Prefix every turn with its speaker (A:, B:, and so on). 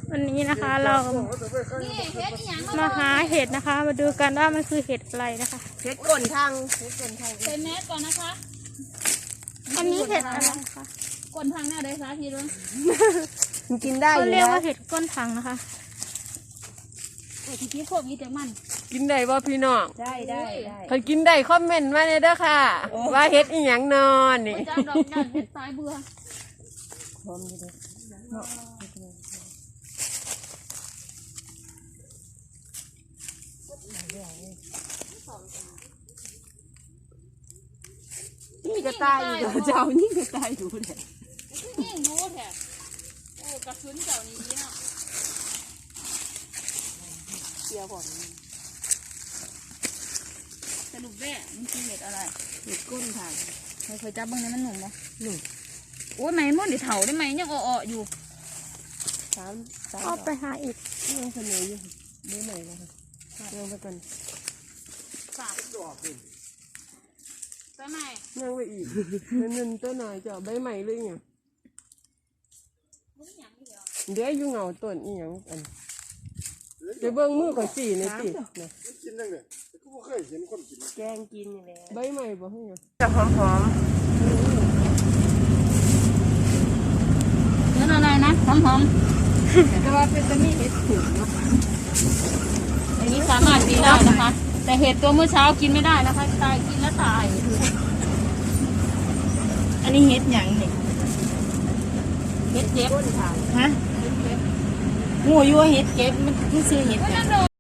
A: วันนี้นะคะเรามาหาเห็ดนะคะ มาดูกันว่ามันคือเห็ดอะไรนะคะ
B: เห็ดก้นทาง
C: ใส่แมสก่อนนะคะ
A: อันนี้เห็ดอะไรคะ
C: ก้นทางหน้าได้ค่ะพี่ลุง
B: กินได้
A: เขา
B: อยู่
A: เรียก
B: นะ
A: ว่าเห็ดก้นถังนะคะ
C: ไอ้ที่โควิดแต่มัน
B: กินได้บ่พี่น้อง
C: ได้
B: ถ้ากินได้คอมเมนต์มาเลยเด้อค่ะว่าเห็ดอีหยังนอนนี่
C: จ้าดอกจันเห็ดสายเบื่อ
B: นี่ก็ตายอยู่เจ้านี่ก็ตายอยู่เลย
C: ยิ่งรู้แท้โอ้กระสุนเจ้านี้เนาะ
B: เกี่ยวผม
C: สรุปแม่มันคือเห็ดอะไร
B: เห็ดก้นทาง
C: เคยจับบ้างเนี่ยมันหนุ่มปะหนุ่มโอ้ยไหมมันเดี๋ยวเถาได้ไหมยังอ่อๆอยู่
B: สาม
A: ก็ไปหาอีก
B: ยังเสนออยู่ไม่ไหนนะคะยังไปก่อน
C: สามใช่ไหม
B: ยังไปอีกนั่นตัวหน่อยจะใบใหม่เลยไงเดี๋ยวอยู่เงาต้นอีหยังอันเดี๋ยวเบิ้งมือก่อนสี่ในตินะ
D: กินจังเลยแต่ก็บ่เคยเห็นคนกิน
B: แกงกินอยู่แล้วใบใหม่บ่ให้ไงจะหอม
C: นั่นอะไรนะหอม
B: ๆแต่ว่าเป็นตะมีเห็ดถึงเนาะ
C: ๆอย่างนี้สามารถกินได้นะคะ แต่เห็ดตัวเมื่อเช้ากินไม่ได้นะคะตายกินแล้วตาย
B: อันนี้เห็ดหยังเนี่ย
C: เห็ดเจ็บ
B: ฮะงูยั่วเห็ดเก็บมันซื้อเห็ดหยัง